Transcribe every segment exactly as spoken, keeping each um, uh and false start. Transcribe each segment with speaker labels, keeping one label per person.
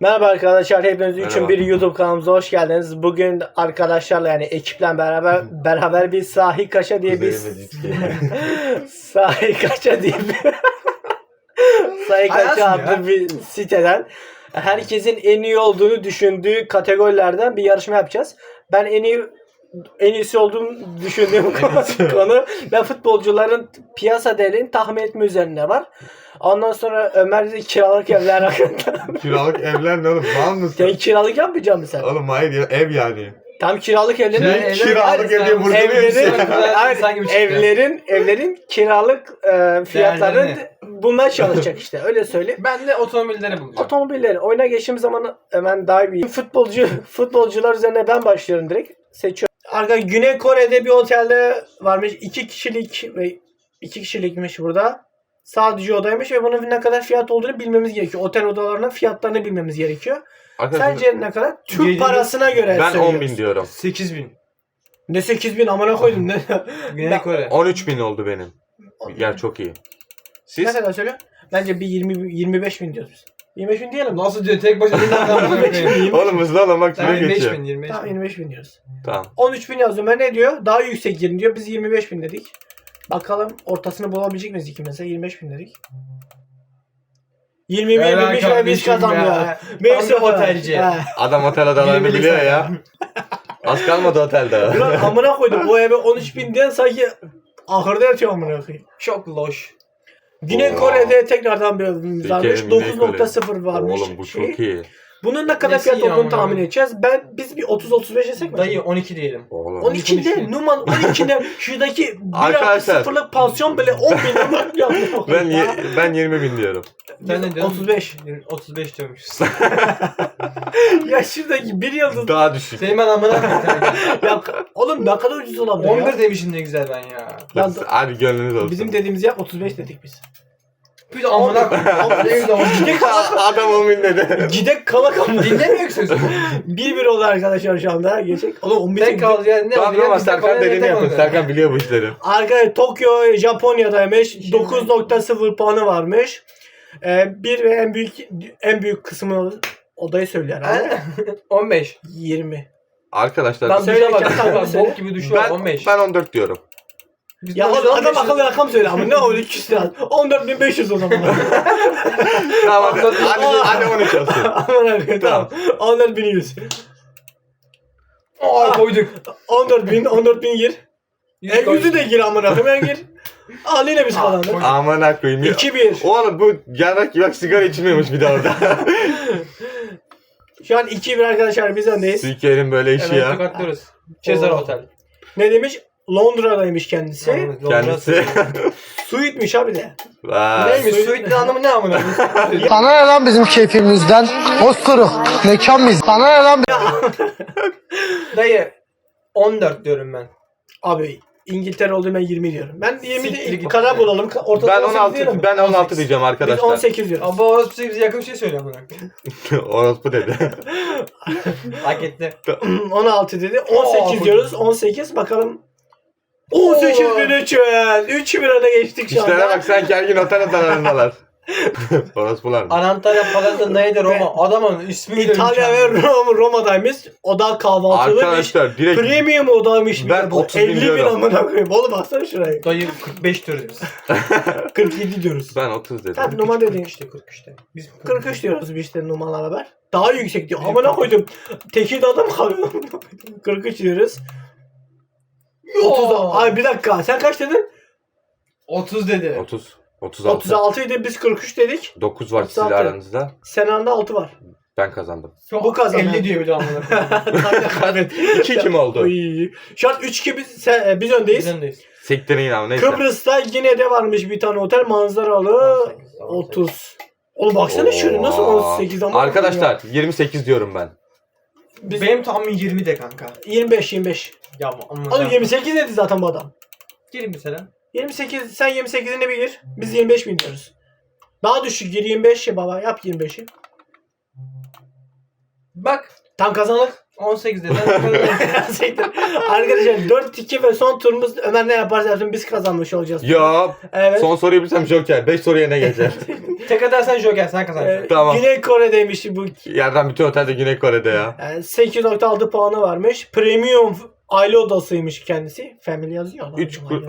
Speaker 1: Merhaba arkadaşlar, hepiniz üçün
Speaker 2: Merhaba.
Speaker 1: bir YouTube kanalımıza hoş geldiniz. Bugün arkadaşlarla yani ekiple beraber beraber bir Sahil Kaşa diye bir Sahil Kaşa diye bir Sahil Kaşa adlı bir siteden herkesin en iyi olduğunu düşündüğü kategorilerden bir yarışma yapacağız. Ben en iyi en iyisi olduğunu düşündüğüm konu, konu ve futbolcuların piyasa değerini tahmin etme üzerine var. Ondan sonra Ömer de kiralık evler hakkında.
Speaker 2: Kiralık evler ne oğlum? Var mısın?
Speaker 1: Sen kiralık yapmayacak mısın sen?
Speaker 2: Oğlum hayır ya, ev yani.
Speaker 1: Tam kiralık evlerin
Speaker 2: Kira- kiralık ev diye burada bir şey.
Speaker 1: evlerin, hayır, evlerin evlerin kiralık e, fiyatlarını
Speaker 3: Değerlerini.
Speaker 1: bulmaya çalışacak işte. Öyle söyleyeyim.
Speaker 3: Ben de otomobilleri bulacağım.
Speaker 1: Otomobilleri oyuna geçtiğimiz zaman hemen daha bir futbolcu futbolcular üzerine ben başlıyorum direkt. Seçiyorum. Arkadaşlar Güney Kore'de bir otelde varmış. iki kişilik ve iki kişilikmiş burada. Sadece odaymış ve bunun ne kadar fiyat olduğunu bilmemiz gerekiyor. Otel odalarının fiyatlarını bilmemiz gerekiyor.
Speaker 2: Arkadaşlar,
Speaker 1: Sence ne kadar? Türk
Speaker 3: Yedi-
Speaker 1: parasına göre
Speaker 2: ben
Speaker 1: söylüyoruz.
Speaker 2: on bin diyorum.
Speaker 3: sekiz bin.
Speaker 1: Ne sekiz bin amına koydum ne?
Speaker 3: Güney
Speaker 1: Ben-
Speaker 3: Kore.
Speaker 2: on üç bin oldu benim. Yer çok iyi.
Speaker 1: Ne
Speaker 2: Siz?
Speaker 1: kadar söylüyor? Bence bir yirmi yirmi beş bin diyoruz biz. yirmi beş bin diyelim.
Speaker 3: Nasıl diyor? Tek başına bir tane
Speaker 2: Oğlum hızlı olun bak süre
Speaker 3: yirmi beş
Speaker 2: geçiyor.
Speaker 3: bin, yirmi beş
Speaker 1: Tamam
Speaker 3: bin.
Speaker 1: yirmi beş bin diyoruz.
Speaker 2: Tamam.
Speaker 1: on üç bin yazdım. Ben ne diyor? Daha yüksek girin diyor. Biz yirmi beş bin dedik. Bakalım ortasını bulabilecek miyiz ikimiz de? yirmi beş bin dedik. yirmi bin
Speaker 3: Helal
Speaker 1: yirmi beş bin biz
Speaker 3: kardeşim
Speaker 1: kazandık.
Speaker 3: ya.
Speaker 1: Neyse
Speaker 3: Tam bir otelci.
Speaker 1: He.
Speaker 2: Adam otel odalarını
Speaker 3: Bilemedik
Speaker 2: biliyor
Speaker 3: sen.
Speaker 2: ya. Az kalmadı otelde.
Speaker 1: Ulan amına koydum. O eve on üç bin diyen sanki ahırda yatıyor amına koyayım.
Speaker 3: Çok loş.
Speaker 1: Güney
Speaker 2: Oo.
Speaker 1: Kore'de tekrardan bir övümümüz varmış.
Speaker 2: Türkiye'nin Güney
Speaker 1: dokuz nokta sıfır
Speaker 2: Kore.
Speaker 1: varmış.
Speaker 2: Oğlum bu
Speaker 1: şey.
Speaker 2: çok iyi.
Speaker 1: Bunun ne kadar
Speaker 3: Nesi
Speaker 1: fiyat
Speaker 3: iyi
Speaker 1: olduğunu
Speaker 3: amına
Speaker 1: tahmin
Speaker 3: koyayım?
Speaker 1: edeceğiz. Ben biz bir otuz otuz beş yesek mi?
Speaker 3: Dayı on iki diyelim.
Speaker 2: Oğlum.
Speaker 1: on iki de
Speaker 3: on iki.
Speaker 1: Numan on iki de şuradaki bir
Speaker 2: Arkadaşlar.
Speaker 1: sıfırlık pansiyon bile on bin lira yapıyor.
Speaker 2: Ben ye- ben yirmi bin diyorum.
Speaker 3: Ben ne diyorum?
Speaker 1: otuz beş.
Speaker 3: otuz beş diyormuşuz.
Speaker 1: Ya şuradaki bir yıldız.
Speaker 2: Daha düşük.
Speaker 3: Senin ben amına
Speaker 1: Ya oğlum ne kadar ucuz olabilir
Speaker 3: on
Speaker 1: ya.
Speaker 3: bir demişim ne güzel ben ya.
Speaker 1: Lan,
Speaker 2: Hadi gönlünüz olsun.
Speaker 1: bizim dediğimiz yer otuz beş dedik biz.
Speaker 3: Bir de amına koyayım. Ne güzel olmuş.
Speaker 1: Gidek kalak.
Speaker 2: Adam on bin dedi.
Speaker 1: Gidek kalak ama.
Speaker 3: Dinlemiyor ki sözü.
Speaker 1: bir bir oldu arkadaşlar şu anda. Geçecek. Oğlum on bir
Speaker 3: Tek kaldı yani ne
Speaker 2: Tamam
Speaker 3: oluyor?
Speaker 2: ama
Speaker 3: Biz de
Speaker 2: Serkan
Speaker 3: parayla
Speaker 2: dediğini
Speaker 3: tek
Speaker 2: yapın.
Speaker 3: oluyor.
Speaker 2: Serkan biliyor bu işleri.
Speaker 1: Arkadaşlar Tokyo Japonya'daymış. dokuz nokta sıfır puanı varmış. Ee, bir ve en büyük en büyük kısmını odayı söylüyor herhalde.
Speaker 3: on beş.
Speaker 1: yirmi.
Speaker 2: Arkadaşlar
Speaker 3: Lan
Speaker 1: Söyle
Speaker 3: duşa bak.
Speaker 1: Serkan,
Speaker 3: Bak,
Speaker 1: söyle.
Speaker 3: Bok gibi duş var
Speaker 2: ben,
Speaker 3: on beş.
Speaker 2: ben on dört diyorum.
Speaker 3: Biz
Speaker 1: Ya
Speaker 3: de
Speaker 1: oğlum,
Speaker 3: on
Speaker 1: adam
Speaker 3: beş
Speaker 1: akıllı rakam söyle ama ne oldu iki yüz lira. on dört bin beş yüz o zaman.
Speaker 2: Tamam hadi, hadi, hadi on üç olsun.
Speaker 1: Aman abi tamam. on dört bin yüz.
Speaker 3: Aa koyduk.
Speaker 1: on dört bin on dört bin gir. En yüzü de gir amına koyayım ben gir. Al yine biz kazandık.
Speaker 3: koy.
Speaker 2: Aman akıyım.
Speaker 1: iki bir.
Speaker 2: Oğlum bu yarak yak sigara içmiyormuş bir de orada.
Speaker 1: Şu an iki bir arkadaşlar biz öndeyiz.
Speaker 2: Türkiye'nin böyle işi
Speaker 3: Evet
Speaker 2: ya.
Speaker 3: tokatlıyoruz. Cezar
Speaker 1: Oo.
Speaker 3: Otel.
Speaker 1: Ne demiş? Londra'daymış kendisi.
Speaker 2: Kendisi.
Speaker 1: Suite'miş abi de.
Speaker 2: Vay.
Speaker 3: Neymiş? Suite'nin anlamı ne amına?
Speaker 4: Sana ne lan bizim keyfimizden? Osturuk. Mekan mıyız? Sana ne lan?
Speaker 3: Dayı on dört diyorum ben.
Speaker 1: Abi İngiltere olduğu ben yirmi diyorum. Ben yirmi
Speaker 3: Siktir
Speaker 1: de
Speaker 3: git.
Speaker 1: kadar bulalım. Ortada
Speaker 2: Ben
Speaker 1: on sekiz diyelim
Speaker 2: on altı
Speaker 1: mi?
Speaker 2: ben on altı
Speaker 1: on sekiz.
Speaker 2: diyeceğim
Speaker 1: Biz on
Speaker 2: arkadaşlar.
Speaker 1: sekiz diyoruz.
Speaker 3: Ama orası bize yakın bir şey söyle amına.
Speaker 2: Orospu dedi.
Speaker 3: Hak etti.
Speaker 1: on altı dedi. on sekiz
Speaker 3: Oo,
Speaker 1: diyoruz. on sekiz bakalım. on sekiz bin üç yüz. üç bir öne geçtik şu
Speaker 2: İşlere
Speaker 1: anda.
Speaker 2: bak sanki her gün otel odalarındalar. Orospular mı?
Speaker 3: Antalya Palata'daydı Roma. Adamın ismi bile
Speaker 1: İtalya ve
Speaker 3: mükemmel.
Speaker 1: Roma, Roma'daymış. Oda kahvaltılıymış.
Speaker 2: Arkadaşlar direkt
Speaker 1: Premium odaymış.
Speaker 2: Ben
Speaker 1: bir de bu.
Speaker 2: otuz bin
Speaker 1: elli bin
Speaker 2: diyorum.
Speaker 1: amına koyayım. Oğlum baksana şurayı.
Speaker 3: Dayı kırk beş diyoruz biz.
Speaker 1: kırk yedi diyoruz.
Speaker 2: ben otuz dedim.
Speaker 1: Sen numara dedin.
Speaker 3: işte kırk üçte. Biz
Speaker 1: kırk üç diyoruz biz işte numaralar haber. Daha yüksek diyor. Amına koydum. Tekirdağ'da mı kalıyor? kırk üç diyoruz. otuz. Ay bir dakika. Sen kaç dedin?
Speaker 3: otuz dedi.
Speaker 2: otuz. otuz altı.
Speaker 1: otuz altı idi. Biz kırk üç dedik.
Speaker 2: dokuz var
Speaker 1: otuz
Speaker 2: sizle
Speaker 1: altı.
Speaker 2: aranızda.
Speaker 1: Senanda altı var.
Speaker 2: Ben kazandım.
Speaker 1: Bu kazandı.
Speaker 3: elli diyor bir de amına.
Speaker 1: Evet.
Speaker 2: iki iki mi oldu?
Speaker 1: Şu an üç iki biz, sen, e, biz öndeyiz.
Speaker 3: Biz öndeyiz.
Speaker 2: Siktirin yine ama neyse.
Speaker 1: Kıbrıs'ta yine de varmış bir tane otel manzaralı otuz. Oğlum baksana şöyle nasıl on sekiz ama.
Speaker 2: Arkadaşlar yirmi sekiz diyorum ben.
Speaker 1: Biz
Speaker 3: Benim tahmin yirmi de kanka.
Speaker 1: yirmi beş yirmi beş.
Speaker 3: Ya amına.
Speaker 1: Oğlum yirmi sekiz dedi zaten bu adam.
Speaker 3: Girin mesela.
Speaker 1: yirmi sekiz sen yirmi sekizini bir gir. Biz yirmi beş bin diyoruz. Daha düşük gir yirmi beş ya baba yap yirmi beşi.
Speaker 3: Bak
Speaker 1: Tam kazandık.
Speaker 3: on sekizde.
Speaker 1: Siktir. Arkadaşlar dört iki ve son turumuz Ömer ne yaparsa yapsın biz kazanmış olacağız.
Speaker 2: Ya
Speaker 1: Evet.
Speaker 2: son soruyu bilsem Joker. beş soruya ne geçer?
Speaker 3: Tek atarsan Joker sen
Speaker 1: Ee,
Speaker 3: kazanacaksın.
Speaker 2: Tamam.
Speaker 1: Güney Kore'deymiş bu.
Speaker 2: Yerden bütün otelde Güney Kore'de ya.
Speaker 1: Yani sekiz nokta altı puanı varmış. Premium aile odasıymış kendisi. Family yazıyor. lan.
Speaker 2: üç kur...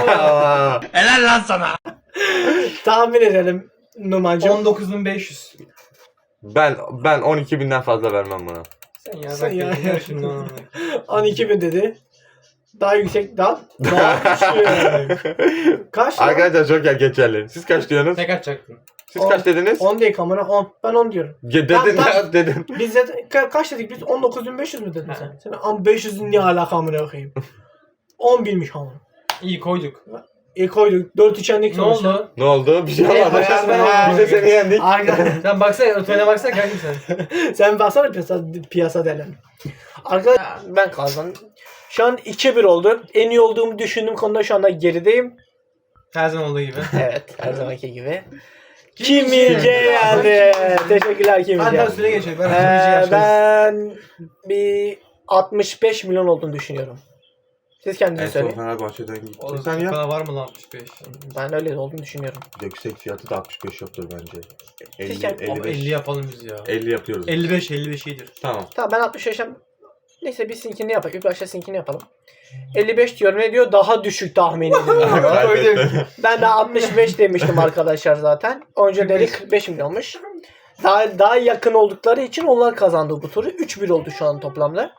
Speaker 1: Tahmin edelim Numancığım.
Speaker 3: on dokuz bin beş yüz.
Speaker 2: ben ben on iki binden fazla vermem buna.
Speaker 3: Sen ya
Speaker 1: Sen
Speaker 3: bak
Speaker 1: ya.
Speaker 3: ya. Şimdi onu.
Speaker 1: on iki bin dedi. Daha yüksek daha daha güçlü. Kaç? lan?
Speaker 2: Arkadaşlar Joker geçerli. Siz kaç diyorsunuz?
Speaker 3: Tek atacaktın.
Speaker 2: Siz
Speaker 1: On-
Speaker 2: kaç dediniz?
Speaker 1: on değil kamera on. Ben on diyorum.
Speaker 2: Ge- dedin
Speaker 1: Tamam,
Speaker 2: ya dedin.
Speaker 1: Biz de ka- kaç dedik biz? on dokuz bin beş yüz mü dedin
Speaker 3: Ha.
Speaker 1: sen? Sen am beş yüzün ne alaka amına koyayım? on binmiş ama.
Speaker 3: İyi koyduk.
Speaker 1: İyi koyduk. dört içendik
Speaker 3: Ne oldu?
Speaker 2: Ne oldu? Bir şey
Speaker 1: Ne
Speaker 2: olmadı.
Speaker 1: yapıyorsun?
Speaker 2: Biz de seni yendik.
Speaker 1: Arkadaşlar
Speaker 3: Sen baksana ötene baksana kanka sen.
Speaker 1: sen baksana piyasa, piyasa delen. Arkadaşlar ben kazandım. Şu an iki bir oldu. En iyi olduğumu düşündüğüm konuda şu anda gerideyim.
Speaker 3: Her zaman olduğu gibi.
Speaker 1: Evet her zamanki gibi. Kimilce geldi. Teşekkürler
Speaker 3: Hadi
Speaker 1: Kimilce.
Speaker 3: ben süre geçelim. Ben
Speaker 1: Ee,
Speaker 3: ee,
Speaker 1: ben bir altmış beş milyon olduğunu düşünüyorum. Siz
Speaker 2: En
Speaker 1: kendiniz
Speaker 2: son
Speaker 1: söyleyin.
Speaker 2: Fenerbahçe'den gitti.
Speaker 3: Oğlum
Speaker 2: Sen
Speaker 3: bu
Speaker 2: ya.
Speaker 3: kadar var mı lan altmış beş?
Speaker 1: Ben öyle olduğunu düşünüyorum.
Speaker 2: Yüksek fiyatı da altmış beş yoktur bence. elli,
Speaker 1: Sizce-
Speaker 3: Abi
Speaker 2: elli beş.
Speaker 3: elli yapalım biz ya.
Speaker 2: elli yapıyoruz.
Speaker 3: elli beş elli beş iyidir.
Speaker 2: Tamam.
Speaker 1: Tamam ben altmış beş'e neyse biz sinkini yapalım. İlk başta sinkini yapalım. elli beş diyorum ne diyor? Daha düşük tahmin ediyorum.
Speaker 2: Kaybetti.
Speaker 1: Ben de altmış beş demiştim arkadaşlar zaten. Önceleri kırk beş milyonmuş. Daha daha yakın oldukları için onlar kazandı bu turu. üç bir oldu şu an toplamda.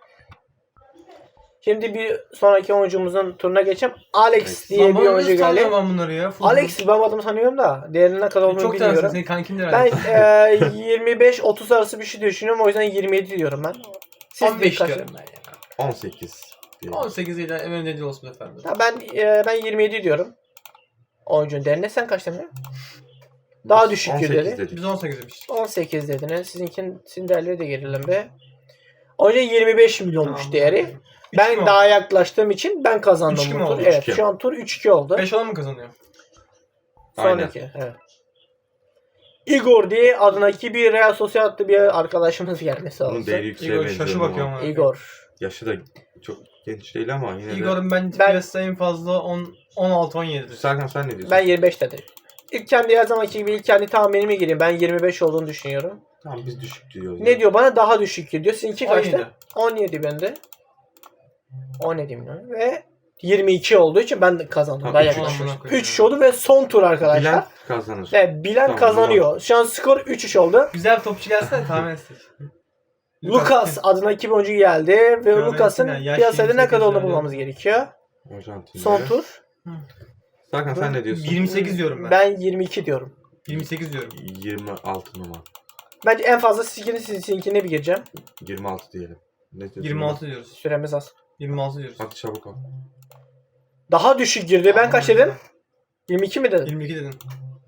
Speaker 1: Şimdi bir sonraki oyuncumuzun turuna geçelim. Alex diye bir oyuncu geldi.
Speaker 3: Tanıyorum ben bunları ya. Futbol.
Speaker 1: Alex ben adımı sanıyorum da diğerinin ne kadar olduğunu
Speaker 3: çok tanırsın.
Speaker 1: bilmiyorum.
Speaker 3: Senin kankindir
Speaker 1: Ben
Speaker 3: herhalde.
Speaker 1: e, yirmi beş otuz arası bir şey düşünüyorum. O yüzden yirmi yedi diyorum ben. Siz
Speaker 3: on beş
Speaker 1: kaç-
Speaker 3: diyorum ben ya.
Speaker 2: on sekiz. diyelim.
Speaker 3: on sekiz ile hemen dediği olsun efendim.
Speaker 1: Ha, ben e, ben yirmi yedi diyorum. Oyuncunun değerine sen kaç demedin? Daha düşük
Speaker 2: on sekiz
Speaker 1: dedi.
Speaker 2: dedik.
Speaker 3: Biz on sekiz demiştik.
Speaker 1: on sekiz dediniz. Sizinkin sizin değerleri de gelelim be. Oyuncu yirmi beş milyonmuş
Speaker 3: Tamam.
Speaker 1: değeri.
Speaker 3: Üç
Speaker 1: Ben
Speaker 3: kim
Speaker 1: daha
Speaker 3: oldu?
Speaker 1: yaklaştığım için ben kazandım
Speaker 3: Üç kim
Speaker 1: bu tur.
Speaker 3: oldu?
Speaker 1: Evet,
Speaker 2: Üç kim?
Speaker 1: şu an tur üç iki oldu.
Speaker 3: beş olan mı kazanıyor?
Speaker 1: Sonraki. Evet. Igor diye adındaki bir Real Sociedad'lı bir arkadaşımız gelmesi
Speaker 2: Bunun
Speaker 1: lazım.
Speaker 2: değeri yükseğe
Speaker 3: Igor
Speaker 2: benziyor
Speaker 3: şaşı
Speaker 2: ama.
Speaker 3: bakıyorum ama.
Speaker 1: Igor.
Speaker 2: Yaşı da çok genç değil ama yine de.
Speaker 3: Igor'un ben
Speaker 1: Ben-
Speaker 3: piyasada en fazla on altı on yedidir.
Speaker 2: Serkan sen ne diyorsun?
Speaker 1: Ben yirmi beş dedim. İlk kendi her zamanki gibi ilk kendi tahminime gireyim. Ben yirmi beş olduğunu düşünüyorum.
Speaker 2: Tamam biz düşük diyoruz.
Speaker 1: Ne diyor bana? Daha düşük diyor. Sizinki
Speaker 3: on yedi.
Speaker 1: kaçtı? on yedi bende. on yedi milyon ve yirmi iki olduğu için ben de kazandım.
Speaker 2: Tamam,
Speaker 1: Ben
Speaker 2: üç-
Speaker 1: yaklaşmıştım.
Speaker 3: amına koyayım
Speaker 1: üç
Speaker 3: ya.
Speaker 1: oldu ve son tur arkadaşlar.
Speaker 2: Bilen kazanır.
Speaker 1: Ve bilen
Speaker 2: Tamam,
Speaker 1: kazanıyor. Şu an skor üç üç oldu.
Speaker 3: Güzel bir topçu gelsene tahmin etsek.
Speaker 1: Lucas adına iki oyuncu geldi ve
Speaker 3: Fiorentina,
Speaker 1: Lucas'ın
Speaker 3: yaş
Speaker 1: piyasada ne
Speaker 3: yirmi sekiz
Speaker 1: kadar olduğunu
Speaker 3: yani.
Speaker 1: bulmamız gerekiyor.
Speaker 2: Arjantin'de.
Speaker 1: Son tur.
Speaker 2: Serkan sen ne diyorsun?
Speaker 3: yirmi sekiz diyorum ben.
Speaker 1: Ben yirmi iki diyorum.
Speaker 3: yirmi sekiz diyorum.
Speaker 2: yirmi altı numara.
Speaker 1: Bence en fazla sizinkini sizinkine bir gireceğim.
Speaker 2: yirmi altı diyelim. Ne diyorsun?
Speaker 3: yirmi altı diyoruz.
Speaker 1: Süremiz az.
Speaker 3: yirmi altı diyoruz.
Speaker 2: Hadi çabuk ol.
Speaker 1: Daha düşük girdi. Ben kaç dedim? yirmi iki mi dedim?
Speaker 3: yirmi iki dedim.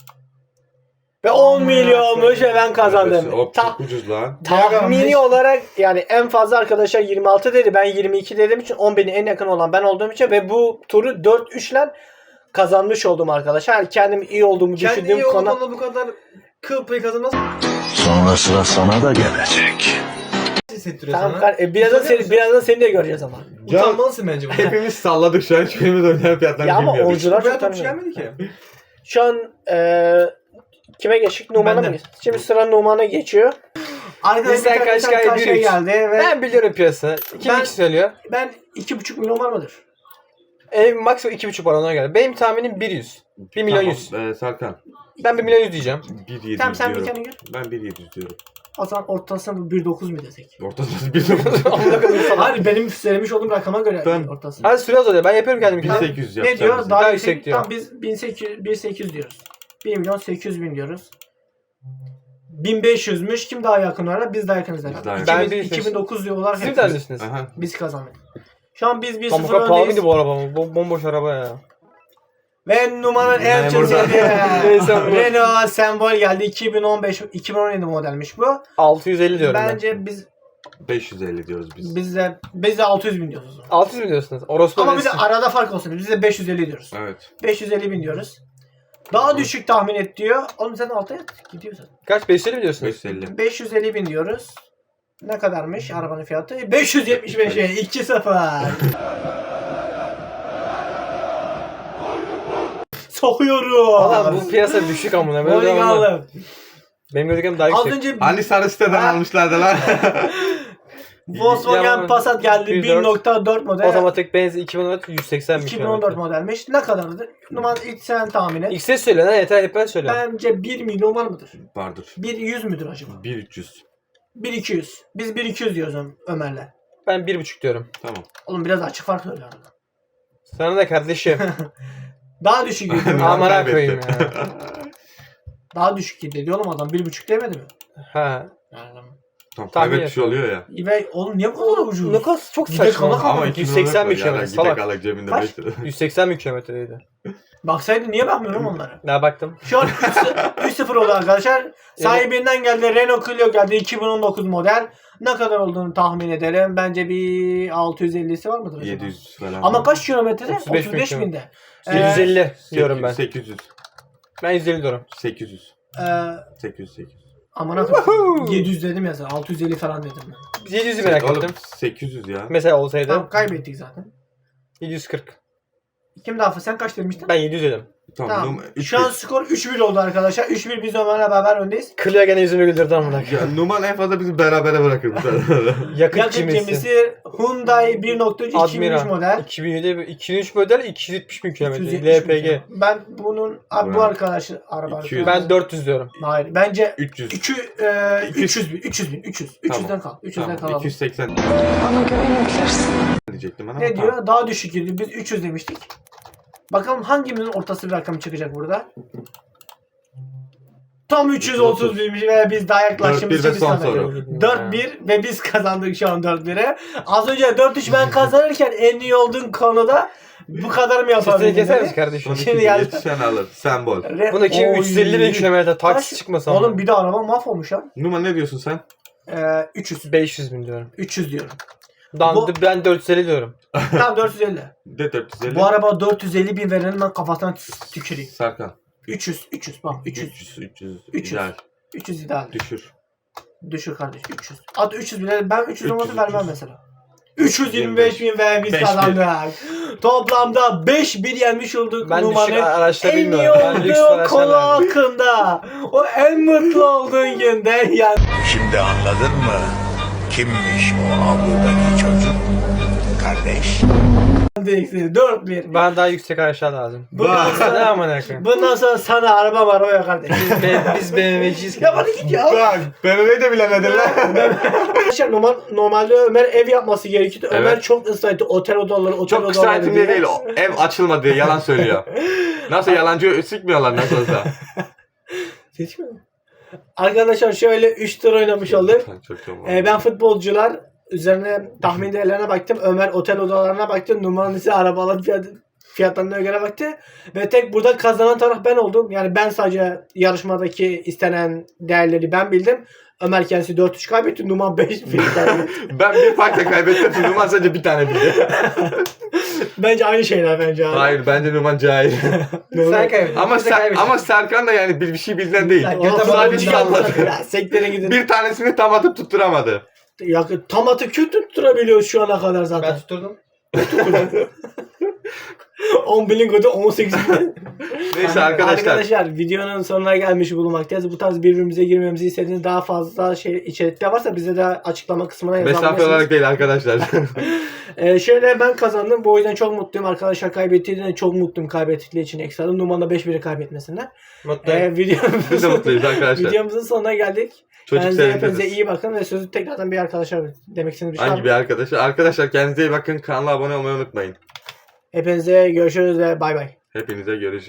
Speaker 1: Ve on milyonmuş ve ben kazandım.
Speaker 2: Hop
Speaker 1: Ta-
Speaker 2: çok ucuz lan.
Speaker 1: tahmini olarak yani en fazla arkadaşlar yirmi altı dedi. Ben yirmi iki dediğim için on bine en yakın olan ben olduğum için ve bu turu dört üç ile kazanmış oldum arkadaşlar. Yani kendim iyi olduğumu
Speaker 3: Kendi
Speaker 1: düşündüğüm
Speaker 3: iyi
Speaker 1: konu.
Speaker 3: olduğunda bu kadar kıl payı kazanmaz.
Speaker 5: Sonra sıra sana da gelecek.
Speaker 3: Hissettiriyor
Speaker 1: Tamam,
Speaker 3: sana.
Speaker 1: kar- e, birazdan
Speaker 3: Utanıyor
Speaker 1: seni,
Speaker 3: musun?
Speaker 1: birazdan seni de göreceğiz ama.
Speaker 3: Utanmalısın bence bu.
Speaker 2: Hepimiz salladık şu an. Hiçbirimiz oynayan fiyatlarını
Speaker 1: Ya ama
Speaker 2: bilmiyoruz.
Speaker 1: oyuncular
Speaker 3: Buraya
Speaker 1: çok
Speaker 3: topçu
Speaker 1: tanımıyor.
Speaker 3: gelmedi ki.
Speaker 1: Şu an e, kime geçtik? Numan'a mı
Speaker 3: Benden.
Speaker 1: geçtik? Şimdi sıra Numan'a geçiyor.
Speaker 6: Bizden kaç kay bir üç.
Speaker 1: geldi ve
Speaker 6: Ben biliyorum piyasa. Kim
Speaker 1: Ben-
Speaker 6: iki söylüyor?
Speaker 1: ben iki buçuk milyon var mıdır?
Speaker 6: E, maksimum iki buçuk var ona göre. Benim tahminim bir yüz. bir milyon yüz.
Speaker 2: Tamam, e, Serkan.
Speaker 6: Ben bir milyon yüz diyeceğim.
Speaker 2: bir yedi yüz
Speaker 1: Tamam sen bir
Speaker 2: diyorum.
Speaker 1: kendine gör.
Speaker 2: Ben bir yedi yüz diyorum.
Speaker 1: O zaman ortasına bir dokuz mu desek?
Speaker 2: Ortasında bir
Speaker 1: Hayır benim söylemiş olduğum rakama göre
Speaker 2: Ben-
Speaker 1: ortası.
Speaker 6: Hadi süre azalıyor. Ben yapıyorum kendimi.
Speaker 2: bin sekiz yüz
Speaker 1: Ne
Speaker 2: yapacağız.
Speaker 1: diyor?
Speaker 2: biz.
Speaker 1: Daha,
Speaker 6: Daha
Speaker 1: yüksek,
Speaker 6: yüksek diyor.
Speaker 1: Tamam biz bin sekiz yüz, bin sekiz yüz diyoruz. bir milyon sekiz yüz bin diyoruz. bin beş yüzmüş. Kim daha yakın var? Biz daha yakınız herhalde.
Speaker 2: daha yakın.
Speaker 6: Ben
Speaker 1: Ben
Speaker 6: bir-
Speaker 1: iki bin dokuz diyorlar.
Speaker 6: Siz mi
Speaker 1: hepimiz.
Speaker 6: dersiniz?
Speaker 2: Aha.
Speaker 1: Biz kazandık. Şu an biz bir
Speaker 6: Tam bu
Speaker 1: sıfır
Speaker 6: kadar pahalıydı
Speaker 1: öndeyiz.
Speaker 6: bu araba. Bo- bomboş araba ya.
Speaker 1: Ve numaranın en
Speaker 2: Memur
Speaker 1: çok
Speaker 2: da-
Speaker 6: Neyse, bu-
Speaker 1: Renault Sembol geldi. iki bin on beş iki bin on yedi modelmiş bu.
Speaker 6: altı yüz elli diyorum
Speaker 1: Bence biz
Speaker 2: beş yüz elli diyoruz biz.
Speaker 1: biz de biz de altı yüz bin diyoruz. o zaman.
Speaker 6: ben. altı yüz mi diyorsunuz? Orospu
Speaker 1: Ama bir de
Speaker 6: öylesi.
Speaker 1: arada fark olsun. Biz de beş yüz elli diyoruz.
Speaker 2: Evet.
Speaker 1: beş yüz elli bin diyoruz. Daha düşük tahmin et diyor. Oğlum sen altıya gidiyorsun.
Speaker 6: Kaç? beş yüz elli mi diyorsunuz?
Speaker 2: beş yüz elli.
Speaker 1: beş yüz elli bin diyoruz. Ne kadarmış arabanın fiyatı? beş yüz yetmiş beşe iki sıfır. Sokuyorum.
Speaker 6: Valla bu piyasa düşük amına. Böyle
Speaker 1: Bowling
Speaker 6: devamlı.
Speaker 1: aldım.
Speaker 6: Benim gördüğüm daha
Speaker 1: Az
Speaker 6: yüksek.
Speaker 1: önce
Speaker 2: Hani sarı siteden
Speaker 1: Ha.
Speaker 2: almışlardı lan.
Speaker 1: Volkswagen
Speaker 6: Yaman-
Speaker 1: Passat geldi
Speaker 6: iki yüz
Speaker 1: bir
Speaker 6: dört.
Speaker 1: nokta dört model.
Speaker 6: Otomatik benzin iki bin on dört yüz seksen bin
Speaker 1: iki bin on dört
Speaker 6: kilometre.
Speaker 1: modelmiş. Ne kadardı? Numan ilk sen tahmin et.
Speaker 6: X'e söyle lan yeter hep ben söylüyorum.
Speaker 1: Bence bir milyon var mıdır?
Speaker 2: Vardır.
Speaker 1: bir yüz müdür acaba?
Speaker 2: bir üç yüz.
Speaker 1: bir iki yüz. Biz bir iki yüz diyoruz Ö- Ömer'le.
Speaker 6: Ben bir buçuk diyorum.
Speaker 2: Tamam.
Speaker 1: Oğlum biraz açık fark öyle arada.
Speaker 6: Sana da kardeşim.
Speaker 1: Daha düşük gidiyor.
Speaker 2: Numan
Speaker 6: Amına
Speaker 2: kaybetti.
Speaker 6: koyayım ya.
Speaker 1: Daha düşük gidiyor oğlum adam. Bir buçuk demedi mi?
Speaker 6: Ha.
Speaker 2: Tamam,
Speaker 6: Tahmin
Speaker 2: kaybetmiş oluyor ya.
Speaker 1: Ve oğlum niye bu kadar ucuz?
Speaker 6: Ne kadar çok
Speaker 1: Gidek
Speaker 6: saçma.
Speaker 1: alak
Speaker 2: Ama
Speaker 1: Ama
Speaker 2: iki
Speaker 6: yüz
Speaker 2: bin on dört
Speaker 6: seksen bin
Speaker 2: var ya,
Speaker 6: kilometre.
Speaker 2: Gidek
Speaker 6: Salak.
Speaker 2: alak cebinde
Speaker 1: Kaç?
Speaker 2: beş lira.
Speaker 6: yüz seksen bin kilometreydi.
Speaker 1: Baksaydın niye bakmıyorum onlara?
Speaker 6: Daha baktım.
Speaker 1: Şu an üç sıfır oldu arkadaşlar. Sahibinden geldi. Renault Clio geldi. iki bin on dokuz model. Ne kadar olduğunu tahmin edelim. Bence bir altı yüz ellisi var mıdır acaba?
Speaker 2: yedi yüz falan.
Speaker 1: Ama kaç kilometrede?
Speaker 6: otuz beş bin
Speaker 1: otuz beş binde. Ee,
Speaker 6: yüz elli diyorum ben.
Speaker 2: sekiz yüz.
Speaker 6: Ben yüz elli diyorum.
Speaker 2: sekiz yüz.
Speaker 1: Ee,
Speaker 2: sekiz yüz. sekiz yüz.
Speaker 1: aman akım. yedi yüz dedim ya sana. altı yüz elli falan dedim ben.
Speaker 6: yedi yüzü merak
Speaker 2: Oğlum
Speaker 6: ettim.
Speaker 2: sekiz yüz ya.
Speaker 6: Mesela olsaydı
Speaker 1: Tamam kaybettik zaten.
Speaker 6: yedi yüz kırk.
Speaker 1: Kim daha sen kaç demiştin?
Speaker 6: Ben yedi yüz dedim.
Speaker 2: Tamam.
Speaker 1: Tamam.
Speaker 2: Num- üç
Speaker 1: Şu an
Speaker 2: yüz.
Speaker 1: skor üç bir oldu arkadaşlar. üç bir biz Ömer'le beraber öndeyiz.
Speaker 6: Clio gene yüzünü güldürdü amına.
Speaker 2: Ya, Numan en fazla bizi berabere bırakır bu sefer.
Speaker 6: Yakıt
Speaker 1: Yakıt
Speaker 6: cimrisi.
Speaker 1: gemisi Hyundai bir nokta üç iki bin üç
Speaker 6: Admiral.
Speaker 1: model.
Speaker 6: iki bin yedi, iki bin üç model iki yüz yetmiş bin
Speaker 1: üç yüz
Speaker 6: kilometre.
Speaker 1: yetmiş
Speaker 6: L P G.
Speaker 1: bin. Ben bunun abi bu
Speaker 2: Evet.
Speaker 1: arkadaşı araba.
Speaker 2: iki yüz.
Speaker 6: Ben dört yüz diyorum.
Speaker 1: Hayır bence
Speaker 2: üç yüz.
Speaker 1: iki, e,
Speaker 2: İki yüz.
Speaker 1: üç yüz bin. üç yüz bin. üç yüz. üç yüzden kal. üç yüzden
Speaker 2: Tamam.
Speaker 1: kalalım.
Speaker 2: iki yüz seksen
Speaker 7: Bana güvenebilirsin.
Speaker 2: diyecektim ben ama.
Speaker 1: Ne
Speaker 2: tamam.
Speaker 1: diyor? Daha düşük gidiyor. Biz üç yüz demiştik. Bakalım hangimizin ortası bir rakam çıkacak burada. Tam üç yüz otuz binmiş ve biz daha yaklaştığımız
Speaker 2: dört bir
Speaker 1: için
Speaker 2: ve
Speaker 1: biz
Speaker 2: son
Speaker 1: kazandık.
Speaker 2: soru.
Speaker 1: dört bir ve biz kazandık şu an dört bire. Az önce dört üç ben kazanırken en iyi olduğun konuda bu kadar mı
Speaker 6: Sesini
Speaker 1: yapabildin?
Speaker 6: keser
Speaker 1: dedi?
Speaker 6: misin kardeşim?
Speaker 2: Son
Speaker 1: Şimdi
Speaker 2: iki
Speaker 1: geldi.
Speaker 2: yetişen alır. Sembol.
Speaker 1: Re-
Speaker 6: Bundaki
Speaker 1: Oy.
Speaker 6: üç yüz elli bin kilometre taksi
Speaker 1: Kaç?
Speaker 6: çıkmasa
Speaker 1: Oğlum bir de araba mahvolmuş ha.
Speaker 2: Numan ne diyorsun sen?
Speaker 1: Ee, üç yüz.
Speaker 6: beş yüz bin diyorum.
Speaker 1: üç yüz diyorum.
Speaker 6: Dan,
Speaker 1: Bu-
Speaker 6: Ben dört yüz elli diyorum.
Speaker 1: Tamam dört yüz elli.
Speaker 2: De dört yüz elli.
Speaker 1: Bu araba dört yüz elli bin verenin ben kafasına tüküreyim.
Speaker 2: Serkan.
Speaker 1: üç yüz. üç yüz. Bak üç yüz.
Speaker 2: üç yüz. üç yüz.
Speaker 1: üç yüz.
Speaker 2: İdeal.
Speaker 1: üç yüz ideal.
Speaker 2: Düşür.
Speaker 1: Düşür kardeş üç yüz. At üç yüz bile ben üç yüz olması
Speaker 2: üç yüz,
Speaker 1: vermem
Speaker 2: üç yüz.
Speaker 1: mesela. üç yüz yirmi beş bin ve biz
Speaker 2: beş bin.
Speaker 1: kazandık. Toplamda beş bir yenmiş olduk.
Speaker 6: Ben düşük
Speaker 1: Numanın
Speaker 6: araçları
Speaker 1: en iyi
Speaker 6: bilmiyorum. Ben lüks
Speaker 1: olduğu
Speaker 6: araçlar
Speaker 1: konu
Speaker 6: verdim.
Speaker 1: hakkında. O en mutlu olduğun günde yani.
Speaker 5: Şimdi anladın mı? Kimmiş o avludaki çocuk? Kardeş.
Speaker 1: dört bir.
Speaker 6: Bana daha yüksek araçlar lazım.
Speaker 1: Bundan
Speaker 6: Ne
Speaker 1: sonra,
Speaker 6: amına koyayım?
Speaker 1: bundan sonra sana araba var o ya kardeş.
Speaker 6: Be- Biz B M W'ciyiz.
Speaker 1: Ya hadi git ya.
Speaker 2: Bak B M W'yi de bilemedin lan.
Speaker 1: Arkadaşlar normal, normalde Ömer ev yapması gerekiyordu.
Speaker 2: Evet.
Speaker 1: Ömer çok ısrar etti. Otel odaları, otel
Speaker 2: Çok kısa
Speaker 1: odaları
Speaker 2: eğitim
Speaker 1: diye.
Speaker 2: diye değil. o Ev açılmadı diye yalan söylüyor. Nasıl yalancı sikmiyorlar nasıl olsa.
Speaker 1: Seçmiyor mu? Arkadaşlar şöyle üç tur oynamış olduk.
Speaker 2: Çok çok
Speaker 1: Ee, ben futbolcular üzerine tahmin değerlerine baktım. Ömer otel odalarına baktı. Numaranın ise arabaların fiyat, fiyatlarına göre baktı. Ve tek burada kazanan taraf ben oldum. Yani ben sadece yarışmadaki istenen değerleri ben bildim. Ömer kendisi dört üç kaybetti. Numan beş bir kaybetti.
Speaker 2: Ben bir farkla kaybettim. Numan sadece bir tane bildi.
Speaker 1: Bence aynı şeyler bence abi.
Speaker 2: Hayır bence Numan cahil.
Speaker 1: Doğru.
Speaker 6: Sen kaybettin.
Speaker 2: ama
Speaker 6: Biz de
Speaker 2: Ser-
Speaker 6: kaybettik.
Speaker 2: ama Serkan da yani bir, bir şey bildiğinden değil.
Speaker 1: Ya,
Speaker 6: Göte
Speaker 2: Sadece
Speaker 6: bağlı
Speaker 2: salladı.
Speaker 1: Ya, sektere gidin.
Speaker 2: Bir tanesini tam atıp tutturamadı.
Speaker 1: Ya, tam atı kötü tutturabiliyoruz şu ana kadar zaten.
Speaker 6: Ben tutturdum.
Speaker 1: on bilingoda on sekiz bin.
Speaker 2: Neyse arkadaşlar.
Speaker 1: Arkadaşlar videonun sonuna gelmiş bulunmaktayız. Bu tarz birbirimize girmemizi istediğiniz daha fazla şey içerikler varsa bize de açıklama kısmına
Speaker 2: Mesafe
Speaker 1: yazabilirsiniz.
Speaker 2: olarak değil arkadaşlar.
Speaker 1: Ee, şöyle ben kazandım. Bu yüzden çok mutluyum. Arkadaşlar kaybettiğinde çok mutluyum kaybettikleri için ekstradan. Numan'da beş biri kaybetmesinden.
Speaker 6: Mutluyum.
Speaker 1: Ee,
Speaker 2: Biz de
Speaker 1: videomuzun,
Speaker 2: mutluyuz arkadaşlar.
Speaker 1: videomuzun sonuna geldik.
Speaker 2: Çocuk
Speaker 1: Kendinize hepinize
Speaker 2: sevindiriz.
Speaker 1: iyi bakın ve sözü tekrardan bir arkadaşlar demek istediğiniz bir şey var
Speaker 2: Hangi
Speaker 1: mı?
Speaker 2: bir arkadaşlar? Arkadaşlar kendinize iyi bakın. Kanala abone olmayı unutmayın.
Speaker 1: Hepinize görüşürüz ve bay bay.
Speaker 2: Hepinize görüşürüz.